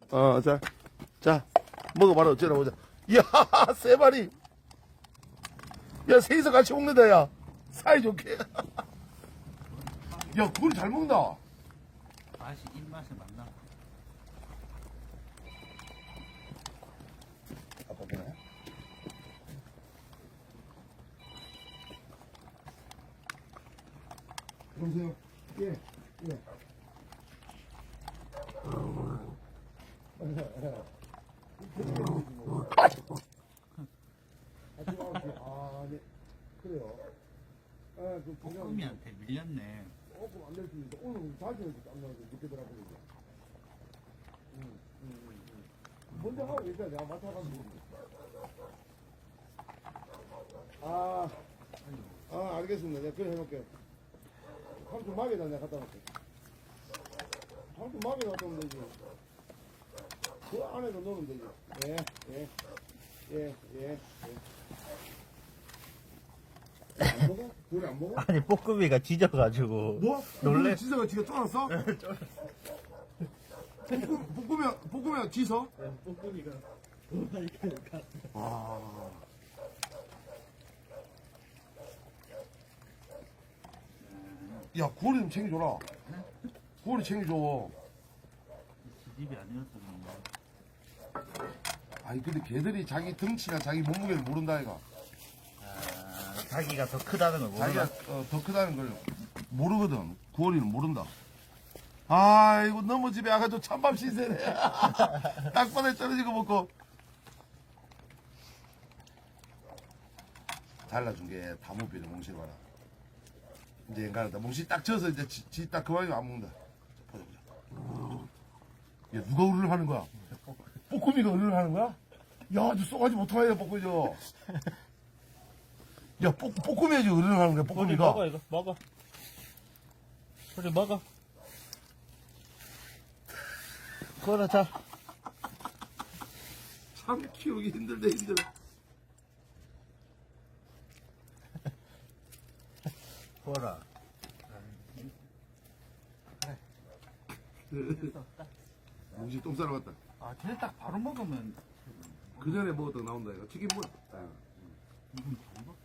자, 먹어봐라. 어쩌나 보자. 이야, 세 마리. 야, 셋이서 같이 먹는다, 야. 사이좋게. 야, 굴 잘 먹는다. 맛이 입맛에 맞나? 아빠 보네. 여보세요? 예, 예. 아, 네. 그래요. 아, 그 볶음이한테 밀렸네. 조금 안 될 수 있는데, 오늘 자주 안 나와서 늦게 들어가고 이제. 먼저 하고 일단 내가 맡아가지고. 알겠습니다. 내가 그래 해놓을게요. 삼촌 막에다 내가 갖다 놓을게. 삼촌 막에 갖다 놓으면 되지. 그 안에다 넣으면 되지. 예. 안 먹어? 그래 안 먹어? 아니 볶음이가 지져가지고. 뭐? 놀래? 지서가 지가 쫄았어? 볶으면 지서? 볶음이가 아. 야, 구월이 좀 챙겨줘라. 구월이 챙겨줘. 지집이 아니었어 뭔가. 아니, 근데 걔들이 자기 덩치나 자기 몸무게를 모른다, 이가. 자기가 더 크다는 걸 모르나? 자기가 더 크다는 걸 모르거든. 구월이는 모른다. 아이고, 너무 집에 와가지고 찬밥 신세네. 땅바닥에 떨어지고 먹고. 잘라준 게 다무비를 몽실 봐라. 이제 엔간하다. 몽실 딱 져서 이제 지 딱 그만이면 안 먹는다. 보자, 보자. 야, 누가 우르르 하는 거야? 뽀꾸미가 우르르 하는 거야? 야, 너 쏘가지 못하네, 뽀꾸미 저. 야, 뽀꾸미가 지금 우르르 하는 거야, 소리 뽀꾸미가. 먹어 이거 먹어. 소리 먹어. 그거라 자. 참 키우기 힘들다, 힘들어. 그거라. 몽실 똥 싸러 갔다. 아 쟤 딱 바로 먹으면 그 전에 먹었던 나온다, 이거. 튀김 뭐야? 이건 잘 먹.